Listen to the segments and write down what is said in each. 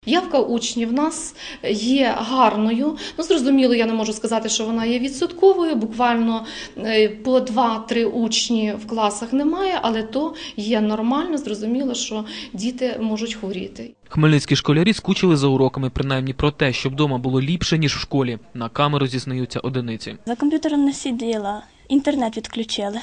Явка учнів в нас є гарною. Зрозуміло, я не можу сказати, що вона є відсотковою. Буквально по 2-3 учні в класах немає, але то є нормально. Зрозуміло, що діти можуть хворіти. Хмельницькі школярі скучили за уроками, принаймні про те, щоб вдома було ліпше, ніж в школі. На камеру зізнаються одиниці. За комп'ютером не сиділа, інтернет відключили.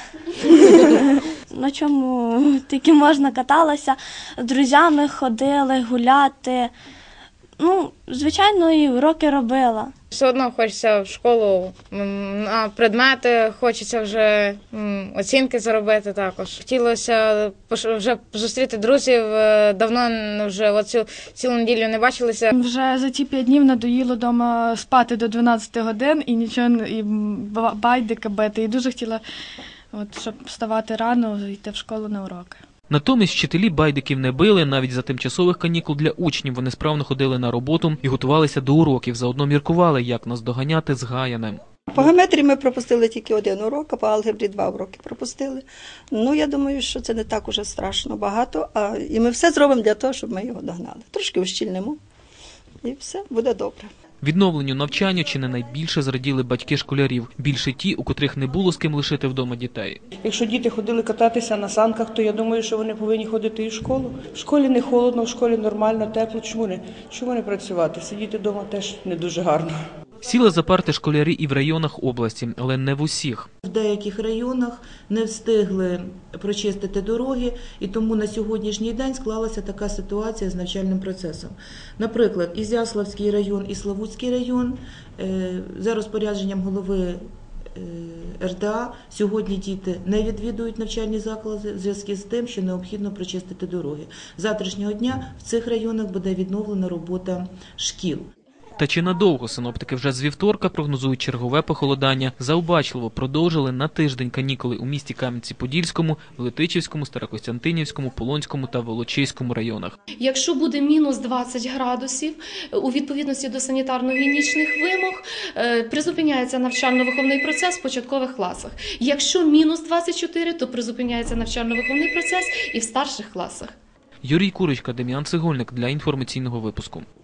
На чому тільки можна каталася, з друзями ходили гуляти. Звичайно, і уроки робила. Все одно хочеться в школу, на предмети, хочеться вже оцінки заробити також. Хотілося вже зустріти друзів, давно вже цілу неділю не бачилися. Вже за ці 5 днів надоїло вдома спати до 12 годин і нічого, і байдики бити. І дуже хотіла, щоб вставати рано, йти в школу на уроки. Натомість вчителі байдиків не били, навіть за тимчасових канікул для учнів вони справно ходили на роботу і готувалися до уроків, заодно міркували, як наздоганяти згаяне. По геометрії ми пропустили тільки 1 урок, а по алгебрі 2 уроки пропустили. Я думаю, що це не так уже страшно багато, і ми все зробимо для того, щоб ми його догнали. Трошки ущільнимо, і все буде добре. Відновленню навчання чи не найбільше зраділи батьки школярів. Більше ті, у котрих не було з ким лишити вдома дітей. Якщо діти ходили кататися на санках, то я думаю, що вони повинні ходити і в школу. В школі не холодно, в школі нормально, тепло. Чому не працювати? Сидіти вдома теж не дуже гарно. Сіли за парти школярі і в районах області, але не в усіх. В деяких районах не встигли прочистити дороги, і тому на сьогоднішній день склалася така ситуація з навчальним процесом. Наприклад, Ізяславський район і Славутський район за розпорядженням голови РДА сьогодні діти не відвідують навчальні заклади в зв'язку з тим, що необхідно прочистити дороги. З завтрашнього дня в цих районах буде відновлена робота шкіл. Та чи надовго синоптики вже з вівторка прогнозують чергове похолодання? Заобачливо продовжили на тиждень канікули у місті Кам'янці-Подільському, Летичівському, Старокостянтинівському, Полонському та Волочиському районах. Якщо буде мінус 20 градусів, у відповідності до санітарно-гігієнічних вимог, призупиняється навчально-виховний процес в початкових класах. Якщо мінус 24, то призупиняється навчально-виховний процес і в старших класах. Юрій Курочка, Дем'ян Цегольник для інформаційного випуску.